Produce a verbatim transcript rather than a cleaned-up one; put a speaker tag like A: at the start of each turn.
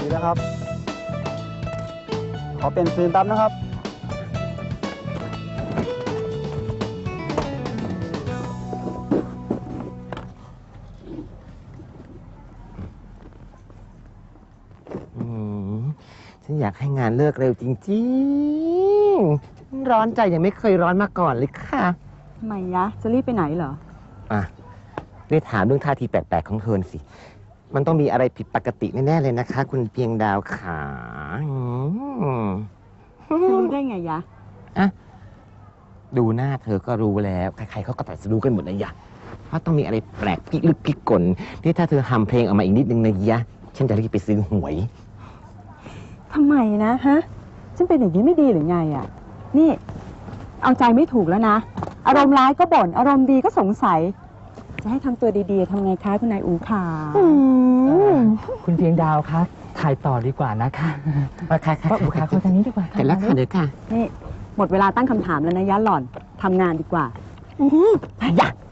A: นะครับ ขอเป็นฟิล์มตับนะครับ
B: อืมฉันอยากให้งานเลิกเร็วจริงๆ ร้อนใจยังไม่เคยร้อนมาก่อนเลยค่ะ
C: ทำไมยะ จะรีบไปไหนเหรอ
B: อ่ะได้ถามเรื่องท่าทีแปลกๆของเธอสิ มันต้องมีอะไรผิดปกติแน่ๆเลยนะคะ คุณเพียงดาวขาอืม
C: จะรู้ได้ไงยะ
B: อ่ะดูหน้าเธอก็รู้แล้ว ใครๆเขาก็ตัดรู้กันหมดนะยะว่าต้องมีอะไรแปลกพิลึกพิกลที่ถ้าเธอทำเพลงออกมาอีกนิดนึงนะยะ ฉันจะรีบไปซื้อหวย
C: ทำไมนะฮะ ฉันเป็นอย่างนี้ไม่ดีหรือไงอ่ะ นี่ เอาใจไม่ถูกแล้วนะ อารมณ์ร้ายก็บ่น อารมณ์ดีก็สงสัย จะให้ทำตัวดีๆทำไงคะคุณนายอูขา
D: คุณเพียงดาวคะถ่ายต่อดีกว่านะคะ
B: มาค่ะค่ะ
D: ป้าอูขาคนทางนี้ดีกว่า
B: เสร็จแล้วค่ะเดี๋ยวค่ะ
C: นี่ หมดเวลาตั้งคำถามแล้วนะยะหล่อนทำงานดีกว่า
B: อยาก